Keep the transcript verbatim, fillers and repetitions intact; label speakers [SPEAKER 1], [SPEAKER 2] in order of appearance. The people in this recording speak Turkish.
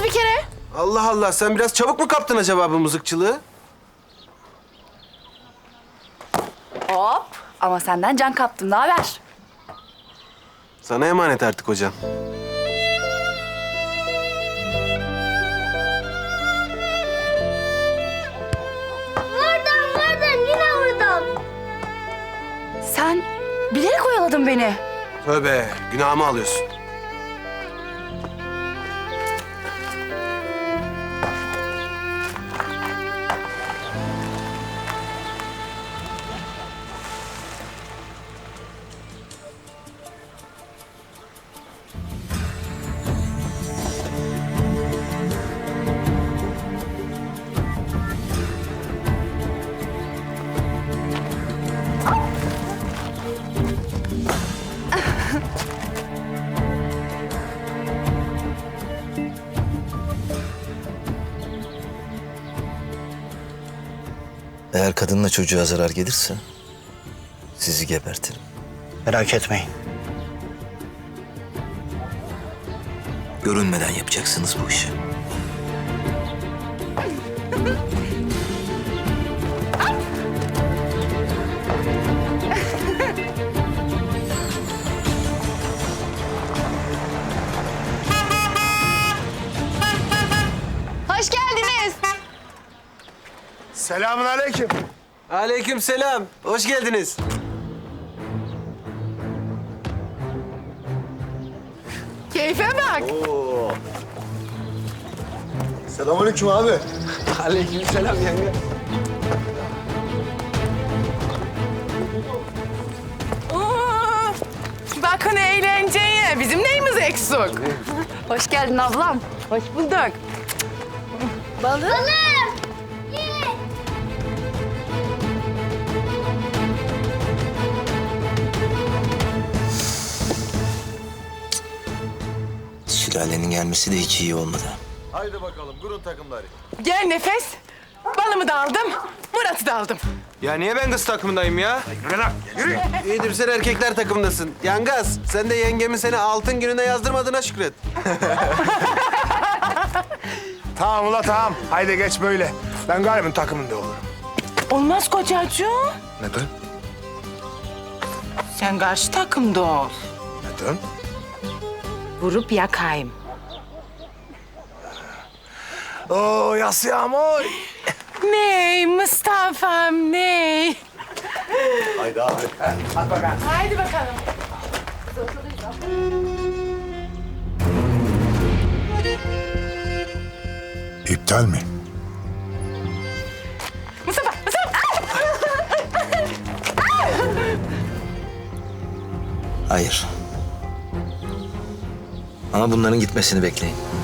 [SPEAKER 1] bir kere.
[SPEAKER 2] Allah Allah, sen biraz çabuk mu kaptın acaba bu mızıkçılığı?
[SPEAKER 1] Hop. Ama senden can kaptım. Ne haber?
[SPEAKER 2] Sana emanet artık hocam.
[SPEAKER 3] Buradan, buradan, yine buradan.
[SPEAKER 1] Sen bilerek oyaladın beni.
[SPEAKER 2] Tövbe, günahımı alıyorsun.
[SPEAKER 4] Eğer kadınla çocuğa zarar gelirse sizi gebertirim.
[SPEAKER 5] Merak etmeyin.
[SPEAKER 4] Görünmeden yapacaksınız bu işi.
[SPEAKER 1] Hoş geldiniz.
[SPEAKER 6] Selamun aleyküm.
[SPEAKER 2] Aleyküm selam, hoş geldiniz.
[SPEAKER 1] Keyfe bak.
[SPEAKER 6] Selamünaleyküm abi.
[SPEAKER 2] Aleyküm selam yenge.
[SPEAKER 7] Oo, bakın eğlenceye. Bizim neyimiz eksik?
[SPEAKER 1] Hoş geldin ablam.
[SPEAKER 7] Hoş bulduk.
[SPEAKER 1] Balım.
[SPEAKER 4] Sülalenin gelmesi de hiç iyi olmadı.
[SPEAKER 6] Haydi bakalım, kurun takımları.
[SPEAKER 7] Gel Nefes. Balımı da aldım, Murat'ı da aldım.
[SPEAKER 2] Ya niye ben kız takımındayım ya?
[SPEAKER 6] Yürü lan, yürü.
[SPEAKER 2] İyidir, sen erkekler takımındasın. Yangaz, sen de yengemin seni altın gününe yazdırmadığına şükret.
[SPEAKER 6] Tamam ula tamam. Haydi geç böyle. Ben galiba takımında olurum.
[SPEAKER 7] Olmaz kocacığım.
[SPEAKER 6] Neden?
[SPEAKER 7] Sen karşı takımda ol.
[SPEAKER 6] Neden?
[SPEAKER 7] Vurup yakayım.
[SPEAKER 6] Oo yasıyam oy.
[SPEAKER 7] Ney Mustafa'm ney?
[SPEAKER 6] Haydi abi. Hadi bakalım.
[SPEAKER 7] Haydi bakalım.
[SPEAKER 6] İptal mi?
[SPEAKER 7] Mustafa, Mustafa.
[SPEAKER 4] Hayır. Ama bunların gitmesini bekleyin.